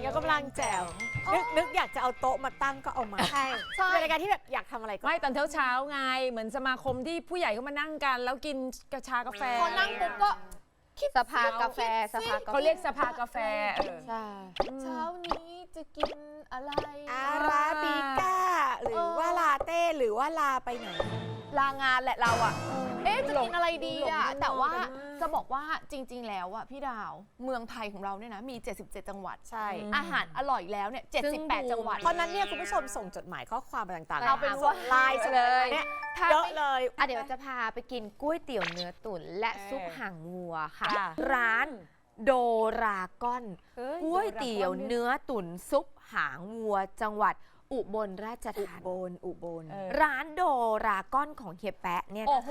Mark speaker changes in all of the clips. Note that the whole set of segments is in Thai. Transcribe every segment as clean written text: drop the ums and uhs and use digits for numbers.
Speaker 1: ยกกำลังแจ๋วนึกอยากจะเอาโต๊ะมาตั้งก็เอามาใช่เป็นรายการที่แบบอยากทำอะไรก็
Speaker 2: ไม่ตอนเช้าไงเหมือนสมาคมที่ผู้ใหญ่เขามานั่งกัน แล้วกินกาแฟ
Speaker 3: พอนั่งปุ๊บก็
Speaker 4: สภากาแฟสภากาแฟ
Speaker 2: เขาเรียกสภากาแฟ
Speaker 4: ใช่
Speaker 3: เช้านี้จะกินอะไร
Speaker 1: อาราบิก้าหรือว่าลาเต้หรือว่าลาไปไหน
Speaker 3: ลางานแหละเราอ่ะจะกินอะไรดีอ่ะแต่ว่าจะบอกว่าจริงๆแล้วอ่ะพี่ดาวเมืองไทยของเราเนี่ยนะมี77จังหวัด
Speaker 1: ใช่
Speaker 3: อาหารอร่อยแล้วเนี่ย78จังหวัด
Speaker 1: เพราะนั้นเนี่ยคุณผู้ชมส่งจดหมายข้อความต่างๆ
Speaker 3: เอาเป็นว่า
Speaker 1: ไลน์เลยเนี่ยเยอะเลย
Speaker 4: เดี๋ยวจะพาไปกินก๋วยเตี๋ยวเนื้อตุ๋นและซุปหางวัวค่ะ
Speaker 1: ค่ะ
Speaker 4: ร้านโดราก้อนก๋วยเตี๋ยวเนื้อตุ๋นซุปหางวัวจังหวัดอุบลราชธานี
Speaker 1: อุบล
Speaker 4: ร้านโดราก้อนของเฮียแปะเนี่ยนะคะ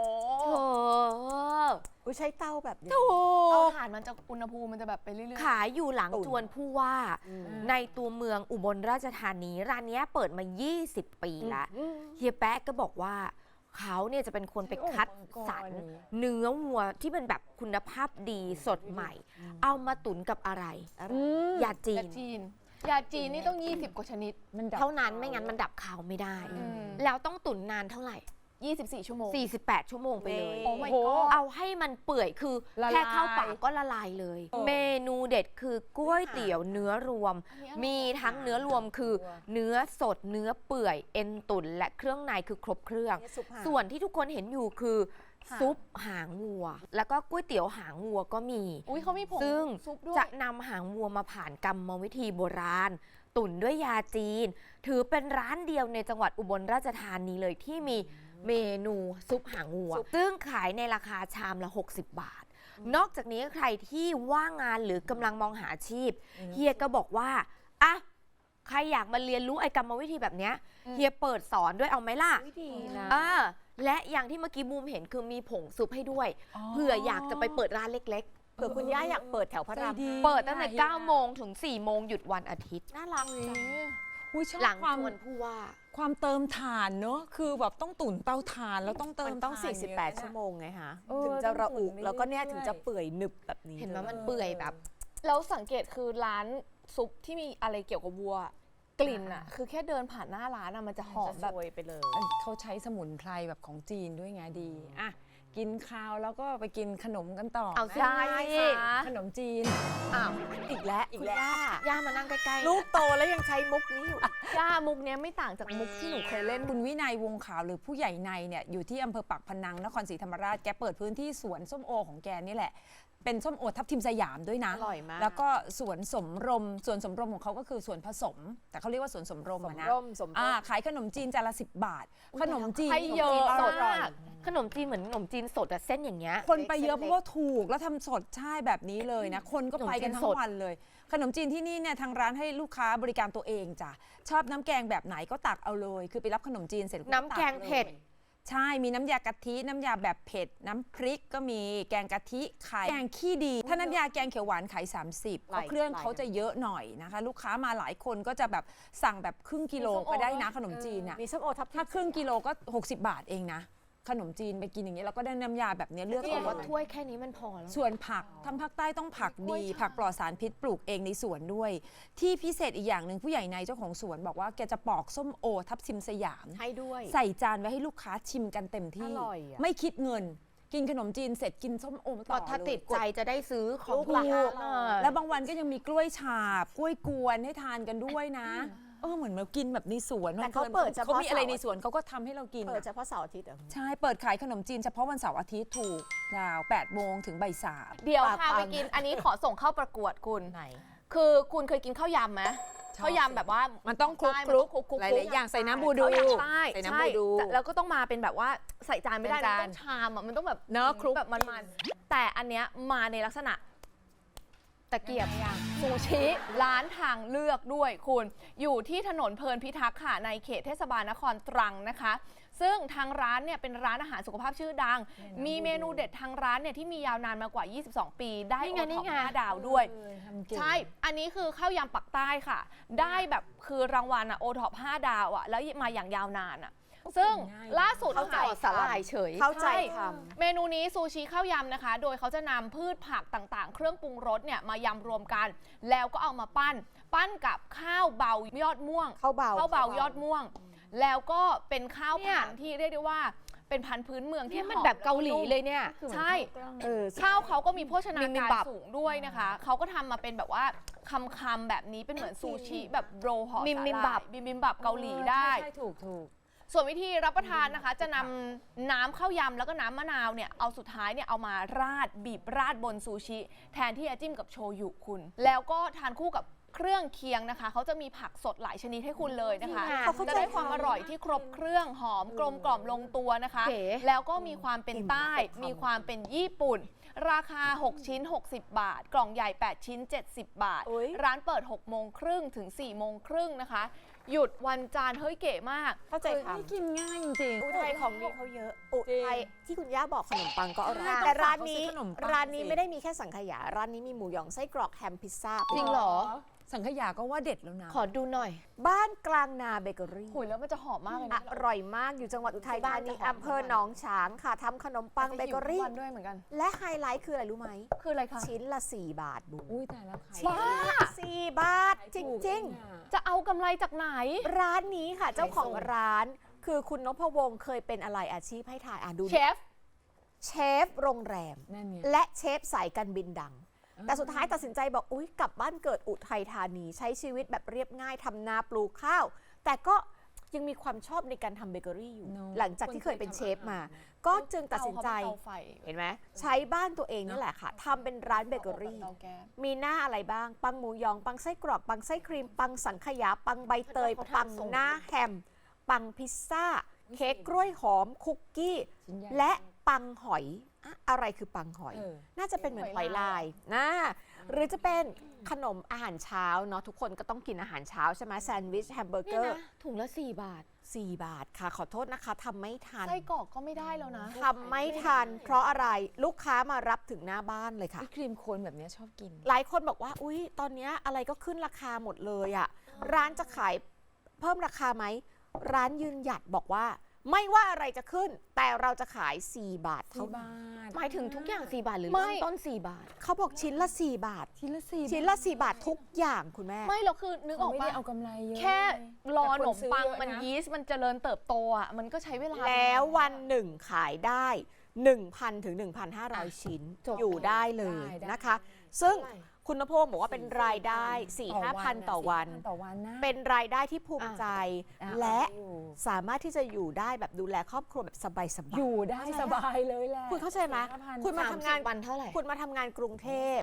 Speaker 1: ใช้เต้าแบบนี้
Speaker 4: ถู
Speaker 3: เตาก ถ่านมันจะอุณหภูมิมันจะแบบไปเรื่อย
Speaker 4: ขายอยู่หลังจวนผู้ว่าในตัวเมืองอุบลราชธานีร้านนี้เปิดมา20 ปีแล้วเฮียแปะก็บอกว่าเขาเนี่ยจะเป็นคนไปคัดสรรเนื้อวัวที่เป็นแบบคุณภาพดีสดใหม่ เอามาตุ๋นกับอะไรยาจี
Speaker 3: ๆยาน จีนยาจีนนี่ต้อง20กว่าชนิด
Speaker 4: เท่านั้นไม่งั้นมันดับคาวไม่ได้ แล้วต้องตุ๋นนานเท่าไหร่
Speaker 3: 24 ชั่วโมง
Speaker 4: 48 ชั่วโมงไปเลย
Speaker 3: โอ้ my god
Speaker 4: เอาให้มันเปื่อยคือแค่เข้าปากก็ละลายเลย เมนูเด็ดคือก๋วยเตี๋ยวเนื้อรวม มีทั้งเนื้อรวมคือเนื้อสดเนื้อเปื่อยเอ็นตุ๋นและเครื่องในคือครบเครื่อง ส่วนที่ทุกคนเห็นอยู่คือซุปหางวัว แล้วก็ก๋วยเตี๋ยวหางวัวก็มี
Speaker 3: อุ้ยเขามีผง
Speaker 4: ซึ่ง
Speaker 3: ซุปด้วย
Speaker 4: จะนำหางวัวมาผ่านกรรมวิธีโบราณ ตุ๋นด้วยยาจีน ถือเป็นร้านเดียวในจังหวัดอุบลราชธานีเลยที่มีเมนูซุปหางวัว ซึ่งขายในราคาชามละ60 บาท นอกจากนี้ใครที่ว่างงานหรือกำลังมองหาอาชีพเฮียก็บอกว่าอ่ะใครอยากมาเรียนรู้ไอ้กรรมวิธีแบบเนี้ยเฮียเปิดสอนด้วยเอาไหมล่ะ
Speaker 1: ดีนะ
Speaker 4: และอย่างที่เมื่อกี้บูมเห็นคือมีผงซุปให้ด้วยเผื่ออยากจะไปเปิดร้านเล็ก
Speaker 1: เผื่อคุณย่าอยากเปิดแถวพระราม
Speaker 4: ๆ เปิดตั้งแต่9 โมงถึง 4 โมงหยุดวันอาทิตย์
Speaker 1: น่ารักจัง
Speaker 4: หลังจวนผู้ว่า
Speaker 2: ความเติมถ่านเนอะคือแบบต้องตุ๋นเตาถ่านแล้วต้องเติม
Speaker 1: มันต้อง
Speaker 2: ถ่าน
Speaker 1: 48 ชั่วโมงไงฮะ
Speaker 2: เออ
Speaker 1: ถึงจะระอุ
Speaker 2: ต้องตุ๋น
Speaker 1: แล้วก็เนี่ย
Speaker 2: เรื่อยๆ
Speaker 1: ถึงจะเปื่อยหนึบแบบนี้
Speaker 4: เห็นไหมมันเปื่อยแบบ
Speaker 3: แล้วสังเกตคือร้านซุปที่มีอะไรเกี่ยวกับวัว กลิ่นอ่ะคือแค่เดินผ่านหน้าร้านอ่ะมันจะหอม
Speaker 1: จะ
Speaker 3: แบบ
Speaker 1: โรยไปเลย
Speaker 2: เขาใช้สมุนไพรแบบของจีนด้วยไงดีอ่ะกินข้าวแล้วก็ไปกินขนมกันต่อ
Speaker 4: เอาสิ
Speaker 2: ขนมจีน
Speaker 4: อ้าว
Speaker 1: อีกแล้ว
Speaker 4: คุณย่ามานั่งใกล้ๆ
Speaker 1: ลูกโตแล้วยังใช้มุกนี้อยู่
Speaker 3: ย่ามุกเนี้ยไม่ต่างจากมุกที่หนูเคยเล่น
Speaker 2: คุณวินัยวงขาวหรือผู้ใหญ่ในเนี่ยอยู่ที่อำเภอปากพนังนครศรีธรรมราชแกเปิดพื้นที่สวนส้มโอของแกนี่แหละ เป็นส้มโอทับทิมสยามด้วยนะ
Speaker 1: อร่อยมาก
Speaker 2: แล้วก็สวนสมรมของเขาก็คือสวนผสม แต่เขาเรียกว่าสวนสมรม
Speaker 1: สม
Speaker 2: อะนะ
Speaker 1: ร่มสมร่ม
Speaker 2: ขายขนมจีนจานละ10 บาท ขนมจีน
Speaker 3: ให้เยอะ
Speaker 4: สด
Speaker 3: มาก
Speaker 4: ขนมจีนเหมือนขนมจีนสดอะเส้นอย่างเงี้ย
Speaker 2: คนไปเยอะเพราะว่าถูกแล้วทำสดใช่แบบนี้เลยนะ คนก็ไปกันทั้
Speaker 4: ขนมจีนส
Speaker 2: ง
Speaker 4: ด
Speaker 2: วันเลย ขนมจีนที่นี่เนี่ยทางร้านให้ลูกค้าบริการตัวเองจ้ะชอบน้ำแกงแบบไหนก็ตักเอาเลย คือไปรับขนมจีนเสร็จ
Speaker 4: น้ำแกงเผ็ด
Speaker 2: ใช่มีน้ำยากะทิน้ำยาแบบเผ็ดน้ำพริกก็มีแกงกะทิไข่แกงขี้ดี ถ้าน้ำยาแกงเขียวหวานขาย30เพราะเครื่องเขาจะเยอะหน่อยนะคะ ลูกค้ามาหลายคนก็จะแบบสั่งแบบครึ่งกิโลก็ได้นะขนมจีนอ่ะ
Speaker 1: มีส้มโอทับทิม
Speaker 2: ถ้าครึ่งกิโลก็60 บาทเองนะขนมจีนไปกินอย่างเงี้ยแล้วก็ได้น้ำยาแบบเนี้ยเลือก
Speaker 4: ก็บ
Speaker 2: เอา
Speaker 4: อกว่าถ้วยแค่นี้มันพอแล้ว
Speaker 2: ส่วนผักทางภาคใต้ต้องผักดี ผักปลอดสารพิษปลูกเองในสวนด้วย ที่พิเศษอีกอย่างหนึ่งผู้ใหญ่ในเจ้าของสวนบอกว่าแกจะปอกส้มโอทับทิมสยาม
Speaker 1: ให้ด้วย
Speaker 2: ใส่จานไว้ให้ลูกค้าชิมกันเต็มที่
Speaker 1: อร่อยอะ
Speaker 2: ไม่คิดเงิน กินขนมจีนเสร็จกินส้มโอต่อ
Speaker 4: ถ้า
Speaker 2: เลย
Speaker 4: ติดใจจะได้ซื้อของ
Speaker 1: ลูก
Speaker 4: ละ
Speaker 1: ละ
Speaker 2: แล้วบางวันก็ยังมีกล้วยฉาบกล้วยกวนให้ทานกันด้วยนะเหมือนมากินแบบในสวน
Speaker 1: แต่เขาเปิดเฉพาะ
Speaker 2: เขามีอะไรในสวนเขาก็ทำให้เรากิน
Speaker 1: เปิด
Speaker 2: อะ
Speaker 1: เฉพาะเสาร์อาทิตย์เหรอ
Speaker 2: ใช่ เปิดขายขนมจีนเฉพาะวันเสาร์อาทิตย์ถูกดาว8 โมงถึงบ่าย 3
Speaker 3: เดี๋ยว
Speaker 1: ปาก
Speaker 3: พาไป
Speaker 1: ปัง
Speaker 3: กินอันนี้ขอส่งเข้าประกวดคุณ
Speaker 1: ไหน
Speaker 3: คือคุณเคยกินข้าวยำไหมข้าวยำแบบว่า
Speaker 2: มันต้องคลุก
Speaker 3: ใช่
Speaker 2: คลุก
Speaker 3: มันต้องคลุก
Speaker 2: หลายๆอย่างใส่น้ำบูดู
Speaker 3: ข้าวยำใต้
Speaker 2: ใส่น้ำ
Speaker 3: ใช่
Speaker 2: บูดู
Speaker 3: แต่แล้วก็ต้องมาเป็นแบบว่าใส่จานไม่ได้
Speaker 2: เป็น
Speaker 3: นะ
Speaker 2: จาน
Speaker 3: ต้องชามอ่ะมันต้องแบบ
Speaker 2: เนอะคลุก
Speaker 3: แบบมันๆแต่อันเนี้ยมาในลักษณะตะเกียบซูชิร้านทางเลือกด้วยคุณอยู่ที่ถนนเพลินพิทักษ์ค่ะในเขตเทศบาลนครตรังนะคะ ซึ่งทางร้านเนี่ยเป็นร้านอาหารสุขภาพชื่อดัง มีเมนูเด็ดทางร้านเนี่ยที่มียาวนานมากว่า 22 ปี ได้
Speaker 4: นี่
Speaker 3: โอ
Speaker 4: ไง
Speaker 3: ท็
Speaker 4: นี่
Speaker 3: อป
Speaker 4: ไง
Speaker 3: 5 ดาวด้วย
Speaker 2: ใช่
Speaker 3: ใช่ อันนี้คือข้าวยำปักใต้ค่ะ ได้แบบคือรางวัลอะโอท็อป5 ดาวอะแล้วมาอย่างยาวนานอะซึ่งล่าสุด
Speaker 1: เข้าใจ
Speaker 3: ค่ะ
Speaker 4: สาหร่ายเฉย
Speaker 1: เข้าใจ
Speaker 3: ใช่
Speaker 1: ท
Speaker 3: เมนูนี้ซูชิข้าวยำนะคะ โดยเขาจะนำพืชผักต่างๆ เครื่องปรุงรสเนี่ยมายำรวมกัน แล้วก็เอามาปั้นกับข้าวเบายอดม่วง
Speaker 1: ำเข้าเบา
Speaker 3: ข้าวเบายอดม่วง แล้วก็เป็นข้าวพันธุ์ที่เรียกได้ว่าเป็นพันธุ์พื้นเมืองที่
Speaker 4: ที่มัน
Speaker 3: หอ
Speaker 4: แบบเกาหลีเลยเนี่ย
Speaker 3: ใช่
Speaker 1: ใช่
Speaker 3: ข้าวเขาก็มีโภชนา
Speaker 4: บิบิ
Speaker 3: การ
Speaker 4: มบับ
Speaker 3: สูงด้วยนะคะ เขาก็ทำมาเป็นแบบว่าคำๆแบบนี้เป็นเหมือนซูชิแบบโรลห่อสาหร่ายบิมบิมบับเกาหลีได้
Speaker 2: ใช่ถูก
Speaker 3: ส่วนวิธีรับประทานนะคะ จะนำน้ำข้าวยำแล้วก็น้ำมะนาวเนี่ยเอาสุดท้ายเนี่ยเอามาราดบีบราดบนซูชิ แทนที่จะจิ้มกับโชยุคุณ แล้วก็ทานคู่กับเครื่องเคียงนะคะเขาจะมีผักสดหลายชนิดให้คุณเลยนะคะ
Speaker 4: จริงอะ
Speaker 1: เขาเข้าใจ
Speaker 3: จะได้ความอร่อยที่ครบเครื่องหอมกลมกล่อมลงตัวนะคะ
Speaker 4: เก๋
Speaker 3: แล้วก็มีความเป็นใต้ มีความเป็นญี่ปุ่น ราคา 6 ชิ้น 60 บาท กล่องใหญ่ 8 ชิ้น 70 บาท
Speaker 1: โอ๊ย
Speaker 3: ร้านเปิด 6 โมงครึ่งถึง 4 โมงครึ่งนะคะ หยุดวันจันทร์เฮ้ยเก๋มาก
Speaker 1: เข้าใจท
Speaker 2: ไม่กินง่ายจริง
Speaker 1: ำอุทัยของดีเขาเยอะ อุทัยที่คุณย่าบอกขนมปังก็อร่อย
Speaker 2: ใช่
Speaker 1: แต่ร้านนี้
Speaker 2: ต้องฝากเขาซื้อขนมปัง
Speaker 1: ร้านนี้
Speaker 2: สิ
Speaker 1: ไม่ได้มีแค่สังขยา ร้านนี้มีหมูหยองไส้กรอกแฮมพิซซ่า
Speaker 4: จริงเหรอ
Speaker 2: สังขยาก็ว่าเด็ดแล้วนะ
Speaker 4: ขอดูหน่อย
Speaker 1: บ้านกลางนาเบเกอรี่
Speaker 3: หุยแล้วมันจะหอมมากเลย
Speaker 1: อ
Speaker 3: นะ
Speaker 1: ร่อยมากอยู่จังหวัดอุทัยธานี
Speaker 3: บ้านจะหอม
Speaker 1: อำเภอหนองฉางค่ะทำขนมปังเบเกอรี่
Speaker 3: วันด้วยเหมือนกัน
Speaker 1: และไฮไลท์คืออะไรรู้ไหม
Speaker 3: คืออะไรคะ
Speaker 1: ชิ้นละ 4 บาทบู
Speaker 2: อุ้ยแต่แล้วใคร
Speaker 1: ชิ้นละ4 บาท จริง
Speaker 3: จะเอากำไรจากไหน
Speaker 1: ๆ ร้านนี้ค่ะเจ้าของร้าน คือคุณนพวงศ์เคยเป็นอะไรอาชีพให้ถ่ายดู
Speaker 3: เชฟ
Speaker 1: เชฟโรงแรม
Speaker 2: นั่นไง
Speaker 1: และเชฟสายการบินดัง แต่สุดท้ายตัดสินใจบอกอุ๊ยกลับบ้านเกิดอุทัยธานีใช้ชีวิตแบบเรียบง่ายทำนาปลูกข้าว แต่ก็ยังมีความชอบในการทำเบเกอรี่อยู่
Speaker 2: เนอะ
Speaker 1: หลังจากที่เคยเป็นเชฟมา ก็จึงตัดสินใจ
Speaker 3: เตาไฟ
Speaker 1: เห็นไหมใช้บ้านตัวเองนี่แหละค่ะทำเป็นร้านเบเกอรี่
Speaker 3: เตาแก๊ส
Speaker 1: มีหน้าอะไรบ้าง ปังหมูยอง ปังไส้กรอก ปังไส้ครีม ปังสังขยา ปังใบเตย
Speaker 4: เขาทำ
Speaker 1: ปัง
Speaker 4: ส่ง
Speaker 1: หน้าแฮม ปังพิซซ่า เค้กกล้วยหอม คุกกี้
Speaker 2: ชิ้นใหญ่
Speaker 1: และปังหอยอะอะไรคือปังหอย
Speaker 2: เออ
Speaker 1: น่าจะเป็นเหมือนหอยลายนะหรือจะเป็นขนมอาหารเช้าเนาะทุกคนก็ต้องกินอาหารเช้าใช่ไหมแซนด์วิชแฮมเบอร์เก
Speaker 4: เนี่ย
Speaker 1: อร์
Speaker 4: นะถุงละ 4 บาท
Speaker 1: 4 บาทค่ะขอโทษนะคะทำไม่ทัน
Speaker 3: ไส้กรอกก็ไม่ได้แล้วนะ
Speaker 1: ทำไม่ทัน เพราะอะไรลูกค้ามารับถึงหน้าบ้านเลยค่ะ
Speaker 2: ไอ้ครีมโคนแบบเนี้ยชอบกิน
Speaker 1: หลายคนบอกว่า อุ๊ย ตอนเนี้ยอะไรก็ขึ้นราคาหมดเลยอะร้านจะขายเพิ่มราคาไหม ร้านยืนหยัดบอกว่า ไม่ว่าอะไรจะขึ้น แต่เราจะขาย 4 บาท
Speaker 2: ที่
Speaker 1: เท่านั้น
Speaker 2: บ้าน
Speaker 4: หมายถึงทุกอย่าง 4 บาทหรือ
Speaker 3: ไม่
Speaker 4: เริ่มต้น 4 บาท
Speaker 1: เขาบอกชิ้นละ 4 บาท
Speaker 2: ชิ้นละสี่
Speaker 1: ชิ้นละ 4 บาททุกอย่างคุณแม่
Speaker 3: ไม่เราคือนึกออก
Speaker 2: ไม่
Speaker 3: ปะ
Speaker 2: ได้เอากำไรเยอะ
Speaker 3: แค่รอขนมปัง
Speaker 2: แต่คนซื้อเยอะนะ
Speaker 3: มันยีสต์มันเจริญเติบโตอ่ะมันก็ใช้เวลา
Speaker 1: แล้ววันหนึ่งขายได้ 1,000 ถึง 1,500 ชิ้น
Speaker 4: จบ
Speaker 1: อยู่ได้เลยนะคะ ซึ่งคุณนพงศ์บอกว่าเป็นรายได้ 4-5,000 ต่อวัน
Speaker 2: ต่อวันนะ
Speaker 1: เป็นรายได้ที่ภูมิใจ
Speaker 2: อ่ะ
Speaker 1: และ
Speaker 2: อยู่
Speaker 1: สามารถที่จะอยู่ได้แบบดูแลครอบครัวแบบสบายๆ
Speaker 2: อยู่ได้สบายเลยแหละ
Speaker 1: คุณเข้าใจไหม
Speaker 2: 4,500
Speaker 1: คุณมาทำงาน
Speaker 4: วันเท่าไหร่
Speaker 1: คุณมาทำงานกรุงเทพ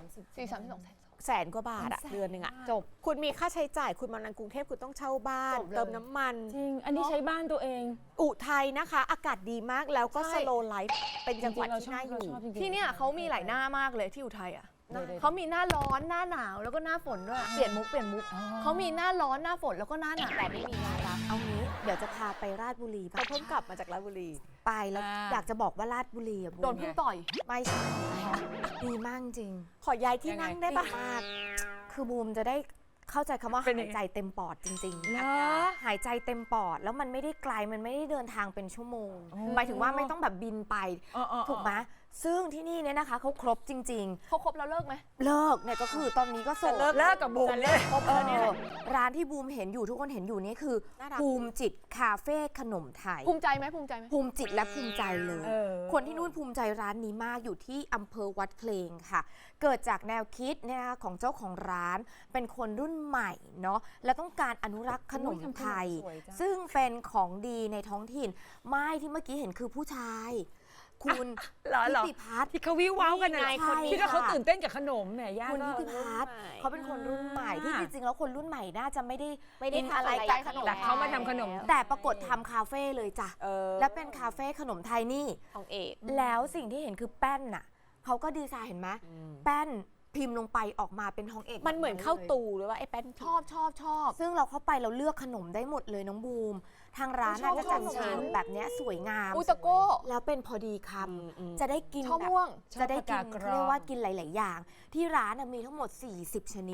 Speaker 3: 4-32
Speaker 1: แสนกว่าบาทอะเดือนหนึ่งอะ
Speaker 4: จบ
Speaker 1: คุณมีค่าใช้จ่าย คุณมานานกรุงเทพคุณต้องเช่าบ้าน
Speaker 4: จบเลย
Speaker 1: เติมน้ำมัน
Speaker 2: จริง อันนี้ใช้บ้านตัวเอง
Speaker 1: อุทัยนะคะ อากาศดีมากแล้วก็
Speaker 3: ใช่
Speaker 1: สโลไลฟ์เป็นจังหวัด
Speaker 2: จริๆ
Speaker 1: ที่น่าอยู่
Speaker 2: เราชบจริงๆ
Speaker 3: ที่เนี่ยเขามีหลายหน้ามากเลยที่อุทัยอ่ะ
Speaker 2: เดี๋ยวๆ
Speaker 3: เขามีหน้าร้อนหน้าหนาวแล้วก็หน้าฝนด้วยเปลี่ยนมุกเขามีหน้าร้อนหน้าฝนแล้วก็หน้าหนาว
Speaker 1: แต่ไม่มีงานรับเอางี้ เดี๋ยวจะพาไปราชบุรีเขาเพิ่งกลับมาจากราชบุรี ไปแล้วอยากจะบอกว่าราชบุรีอะ
Speaker 3: โดนพึ่งต่อย
Speaker 4: ไม่ใช่ดีมากจริง
Speaker 1: ขอย้ายที่นั่งได้ปะ
Speaker 4: มาก คือบูมจะได้เข้าใจคำว่า
Speaker 2: เป็น
Speaker 4: หา
Speaker 2: ยัง
Speaker 4: ย
Speaker 2: ไง
Speaker 4: ใจเต็มปอดจริง
Speaker 2: เหรอ
Speaker 4: หายใจเต็มปอด แล้วมันไม่ได้ไกล มันไม่ได้เดินทางเป็นชั่วโมง
Speaker 2: อ๋อ
Speaker 4: หมายถึงว่าไม่ต้องแบบบินไป
Speaker 2: ๆ
Speaker 4: ถูกไหมซึ่งที่นี่เนี่ยนะคะเขาครบจริง
Speaker 3: เขาครบแล้วเลิกไหม
Speaker 4: ๆ เลิกเนี่ยก็คือตอนนี้ก็โสด
Speaker 2: เลิกกับบูมเลย
Speaker 1: ครบแล้วเนี่ย
Speaker 4: ร้านที่บูมเห็นอยู่ทุกคนเห็นอยู่นี่คือ
Speaker 1: น่ารัก
Speaker 4: ภูมิจิตคาเฟ่ขนมไทย
Speaker 3: ภูมิใจไหมภูมิใจไหม
Speaker 4: ภูมิจิตและภูมิใจเลย
Speaker 2: เออ
Speaker 4: คนที่นู่นภูมิใจร้านนี้มากอยู่ที่อำเภอวัดเพลงค่ะ เกิดจากแนวคิดเนี่ยนะคะของเจ้าของร้าน เป็นคนรุ่นใหม่เนาะและต้องการอนุรักษ์ขนมไทย
Speaker 2: สวยจัง
Speaker 4: ซึ่งเป็นของดีในท้องถิ่น ไม่ที่เมื่อกี้เห็นคือผู้ชาย คุณ
Speaker 2: เหรอ
Speaker 4: นิ
Speaker 2: เหรอ
Speaker 4: ติพัฒน์
Speaker 2: ที่เขาวิวว้าวกัน
Speaker 4: นี่
Speaker 2: นะ
Speaker 4: ไงคนนี้
Speaker 2: ที่เขา
Speaker 4: ค่ะ
Speaker 2: ตื่นเต้นกับขนมแหมย่า
Speaker 4: คุณ
Speaker 2: ก็
Speaker 4: นิติพัฒน์เขาเป็นคนรุ่นใหม่ที่จริงๆแล้วคนรุ่นใหม่น่าจะไม่ได้
Speaker 1: ไม่ได้
Speaker 4: กิน
Speaker 1: ทำอะไร
Speaker 4: อะไร
Speaker 1: กั
Speaker 4: กัน บขนม
Speaker 2: แต่เขามาทำขนม
Speaker 4: แต่ปรากฏทำคาเฟ่เลยจ้ะ
Speaker 1: เออ
Speaker 4: และเป็นคาเฟ่ขนมไทยนี่
Speaker 1: ของเอก
Speaker 4: แล้วสิ่งที่เห็นคือแป้นน่ะเขาก็ดีไซน์เห็นไหมแป้นพิมพ์ลงไปออกมาเป็นทองเอก
Speaker 1: มันเหมือนข้าวตูหรือว่าไอ้แป้น
Speaker 3: ชอบชอบชอบ
Speaker 4: ซึ่งเราเข้าไปเราเลือกขนมได้หมดเลยน้องบูม ทางร้านน่ะ
Speaker 3: ชอบ
Speaker 4: จะจัด
Speaker 3: ขนม
Speaker 4: เชิญแบบเนี้ยสวยงาม
Speaker 3: อุยตะโก้
Speaker 4: แล้วเป็นพอดีคำจะได้กิน
Speaker 3: ชอบ
Speaker 4: แบบ
Speaker 3: ม่วง
Speaker 4: จะได้กิน
Speaker 2: ชอบผักกาดกรอง
Speaker 4: เรียกว่ากินหลาย ๆ อย่าง ที่ร้านน่ะมีทั้งหมด 40 ชนิด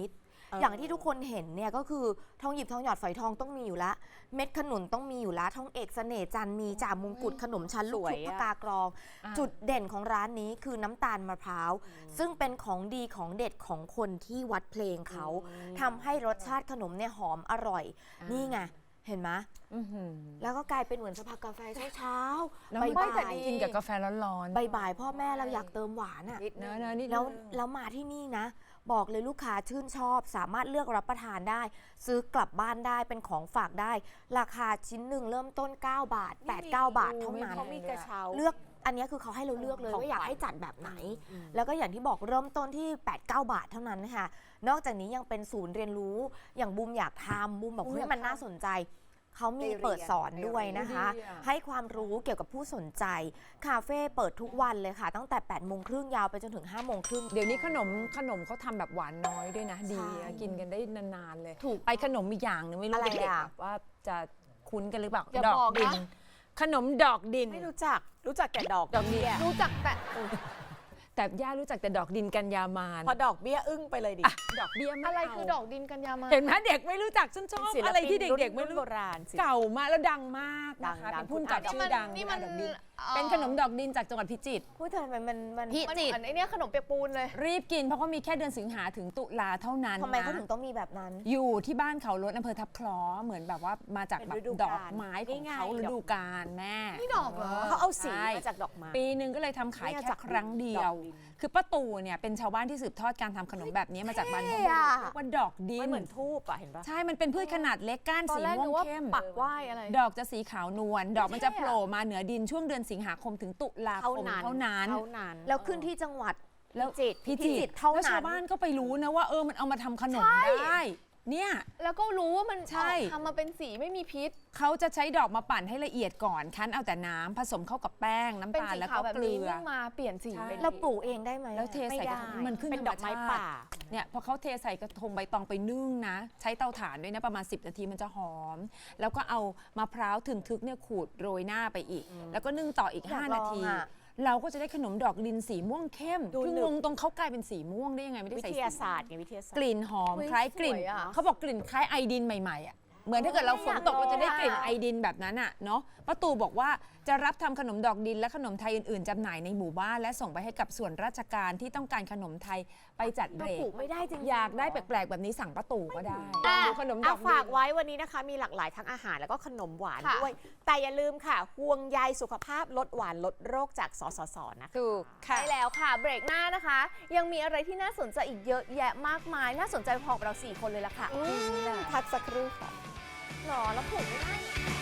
Speaker 4: อย่างที่ทุกคนเห็นเนี่ยก็คือทองหยิบทองหยอดฝอยทองต้องมีอยู่ละเม็ดขนุนต้องมีอยู่ละทองเอกเสน่ห์จันทร์มีจ่ามงกุฎขนมชั้นลูก
Speaker 1: สวย
Speaker 4: ชุบ
Speaker 1: อะ
Speaker 4: ปากากรอง
Speaker 2: อ่า
Speaker 4: จุดเด่นของร้านนี้คือน้ำตาลมะพร้าวซึ่งเป็นของดีของเด็ดของคนที่วัดเพลงเขาทำให้รสชาติขนมเนี่ยหอมอร่อย นี่ไงเห็นไหม
Speaker 2: อื้อหือ
Speaker 4: แล้วก็กลายเป็นเหมือนสภากาแฟเช้า
Speaker 2: แล้ว
Speaker 4: ๆ
Speaker 2: ไม่
Speaker 4: บ่า
Speaker 2: แต่
Speaker 4: ย
Speaker 2: กินกับกาแฟร้อนๆ
Speaker 4: บ่ายๆพ่อแม่เราอยากเติมหวานอ่ะ
Speaker 2: เนอะนิดนึง
Speaker 4: แล้วมาที่นี่นะ บอกเลยลูกค้าชื่นชอบ สามารถเลือกรับประทานได้ ซื้อกลับบ้านได้เป็นของฝากได้ ราคาชิ้นหนึ่งเริ่มต้น 9 บาท 8-9 บาทเท่านั้น
Speaker 1: เขามีกระเช้า
Speaker 4: เลือกอันนี้คือเขาให้เราเลือกเลย
Speaker 1: ของ
Speaker 4: ว่าอยาก
Speaker 1: ขวัญ
Speaker 4: ให้จัดแบบไหน แล้วก็อย่างที่บอกเริ่มต้นที่ 8-9 บาทเท่านั้นนะคะนอกจากนี้ยังเป็นศูนย์เรียนรู้อย่างบูมอยากทำบูมบอกเฮ้ยมันน่าสนใจเขามีเปิดสอนด้วยนะคะ
Speaker 2: ดีอะ
Speaker 4: ให้ความรู้เกี่ยวกับผู้สนใจคาเฟ่เปิดทุกวันเลยค่ะ ตั้งแต่ 8:30 ยาวไปจนถึง 5:30
Speaker 2: เดี๋ยวนี้ขนมเขาทำแบบหวานน้อยด้วยนะ ดี
Speaker 4: ใช่
Speaker 2: นะกินกันได้นานๆเลย
Speaker 4: ถูก
Speaker 2: ไปขนมอีกอย่างหนึงไม่รู้
Speaker 4: อะไร
Speaker 2: เด็ก
Speaker 4: อ่ะ
Speaker 2: ๆแบบว่าจะคุ้นกันหรือเปล่า
Speaker 3: อย่า
Speaker 2: ดอก
Speaker 3: บอกนะ
Speaker 2: ดิน ขนมดอกดิน
Speaker 1: ไม่รู้จักแต่ดอกเบี้ย
Speaker 3: รู้จักแต่
Speaker 2: แต่ย่ารู้จักแต่ดอกดินกันยามาน
Speaker 1: พอดอกเบี้ยอึ้งไปเลยดิ
Speaker 2: อ่ะดอกเบี้ยไม่
Speaker 3: อะไร
Speaker 2: เา
Speaker 3: คือดอกดินกันยามา
Speaker 2: เห็นไหมเด็กไม่รู้จักฉันชอบ
Speaker 1: ศิลปิน
Speaker 2: อะไรที่เด็กๆไม่
Speaker 1: รุ่น
Speaker 2: รู้
Speaker 1: โบราณสิ
Speaker 2: เก่ามากแล้วดังมากนะคะ
Speaker 1: ดัง
Speaker 2: เป็นผู้กำกับ
Speaker 1: ดัง
Speaker 2: ชื่อดัง
Speaker 3: นี่มัน
Speaker 2: ดอกดิน
Speaker 3: เอ่อ
Speaker 2: เป็นขนมดอกดินจากจังหวัดพิจิตร
Speaker 4: พูดทำไมมัน
Speaker 3: มันเหมือนไอเนี้ยขนมเปียกปูนเลย
Speaker 2: รีบกินเพราะเขามีแค่เดือนสิงหาถึงตุลาเท่านั้น
Speaker 4: ทำไม
Speaker 2: นะ
Speaker 4: เขาถึงต้องมีแบบนั้น
Speaker 2: อยู่ที่บ้านเขาลดอำเภอทับคล้อเหมือนแบบว่ามาจาก
Speaker 1: เป็น
Speaker 2: แบบ
Speaker 1: ฤดู
Speaker 2: ด
Speaker 1: กา
Speaker 2: อ
Speaker 1: ล
Speaker 2: กไม้ของ
Speaker 1: ง่ายๆ
Speaker 2: เขาฤดูกาลแม่
Speaker 3: นี่ดอกเหรอ
Speaker 1: เขาเอาสี
Speaker 2: ใช่
Speaker 1: มาจากดอกไม้
Speaker 2: ปีหนึ่งก็เลยทำขาย
Speaker 1: เนี่ย
Speaker 2: แค่
Speaker 1: จาก
Speaker 2: ครั้งเดียว
Speaker 1: ดอกดิน
Speaker 2: คือป้าตู่เนี่ยเป็นชาวบ้านที่สืบทอดการทำขนมแบบนี้มาจากบ้าน
Speaker 4: เท่
Speaker 2: เขา
Speaker 4: อะ
Speaker 2: เรียกว่าดอกดิ
Speaker 1: มัน
Speaker 2: น
Speaker 1: เหมือนทูบอะเห็นปะ
Speaker 2: ใช่มันเป็นพืชขนาดเล็กก้าน
Speaker 3: ตอน
Speaker 2: สี
Speaker 3: แรก
Speaker 2: ม่ว
Speaker 3: นึ
Speaker 2: ง
Speaker 3: กว่า
Speaker 2: เข้ม
Speaker 3: ปักไหว้อะไร
Speaker 2: ดอกจะสีขาวนวลดอกมันจะโผล่มาเหนือดินช่วงเดือนสิงหาคมถึงตุลาคมเท่านั้น
Speaker 4: แล้วขึ้นที่จังหวัด
Speaker 2: แล้ว
Speaker 4: พิจิตรเท่านั้น
Speaker 2: แล้วชาวบ้านก็ไปรู้นะว่ามันเอามาทำขนมได้ เนี่ย
Speaker 3: แล้วก็รู้ว่ามัน
Speaker 2: ใช่
Speaker 3: ทำมาเป็นสีไม่มีพิษ
Speaker 2: เขาจะใช้ดอกมาปั่นให้ละเอียดก่อนคั้นเอาแต่น้ำผสมเข้ากับแป้งน้ำ
Speaker 3: เป็น
Speaker 2: ตาล
Speaker 3: สี
Speaker 2: แล้ว
Speaker 3: ขาว
Speaker 2: ก็
Speaker 3: แบบ
Speaker 2: เกลื
Speaker 3: นี้
Speaker 2: อ
Speaker 3: นึ่งมาเปลี่ยนสี
Speaker 2: ใช่
Speaker 3: เป็น
Speaker 4: เราปลูกเองได้ไหม
Speaker 2: แล้วเทใส่กระทงมันขึ้น
Speaker 1: เป็นดอกไม้
Speaker 2: ธรรชติ
Speaker 1: ป่า
Speaker 2: เนี่ยพอเขาเทใส่กระทงใบตองไปนึ่งนะ ใช้เตาถ่านด้วยนะประมาณ 10 นาทีมันจะหอม แล้วก็เอามะพร้าวถึงทึกเนี่ยขูดโรยหน้าไปอีก แล้วก็นึ่งต่ออีก
Speaker 4: อยาก
Speaker 2: 5 นา
Speaker 4: ลอง
Speaker 2: ที
Speaker 4: อะ
Speaker 2: เราก็จะได้ขนมดอกดินสีม่วงเข้ม
Speaker 1: ดู
Speaker 2: คือ
Speaker 1: หนึบ
Speaker 2: งงตรงเขากลายเป็นสีม่วงได้ยังไงไม่ได้
Speaker 1: วิ
Speaker 2: ใส่
Speaker 1: ท
Speaker 2: สี
Speaker 1: ยาศาสตร์ไงวิทยาศาสต
Speaker 2: ก
Speaker 1: ร์
Speaker 2: ลิ่นหอม
Speaker 3: เฮ้ย
Speaker 2: คล้ายกลิ่น
Speaker 3: สวยอะ
Speaker 2: เขาบอกกลิ่นคล้ายไอดินใหม่ๆอ่ะเหมือนถ้าเกิดเราฝนตกเราจะได้กลิ่นไอดินแบบนั้นอ่ะเนาะป้าตู่บอกว่าจะรับทำขนมดอกดินและขนมไทยอื่นๆจำหน่ายในหมู่บ้านและส่งไปให้กับส่วนราชการที่ต้องการขนมไทยไปจัดเบ
Speaker 4: เรา
Speaker 2: ร
Speaker 4: ปลู
Speaker 2: ก
Speaker 4: กไม่ได้จริง
Speaker 2: อยากได้แปลกๆแบบนี้สั่งป้าตู่ก็ได้
Speaker 1: อ่ะ
Speaker 2: ดูขนมดอกดิ
Speaker 1: ฝาก
Speaker 2: น
Speaker 1: ไว้วันนี้นะคะ มีหลากหลายทั้งอาหารแล้วก็ขนมหวาน
Speaker 3: ค่ะ
Speaker 1: ด้วย แต่อย่าลืมค่ะ ห่วงใยสุขภาพลดหวานลดโรคจากสสสนะคะ
Speaker 2: ถูกค่ะ
Speaker 3: ใช่แล้วค่ะ เบรกหน้านะคะ ยังมีอะไรที่น่าสนใจอีกเยอะแยะมากมาย น่าสนใจพอกับเรา 4 คนเลยล่ะค่ะ
Speaker 1: พักสักครู่ค่ะ
Speaker 3: หรอแล้วผมไม่ได้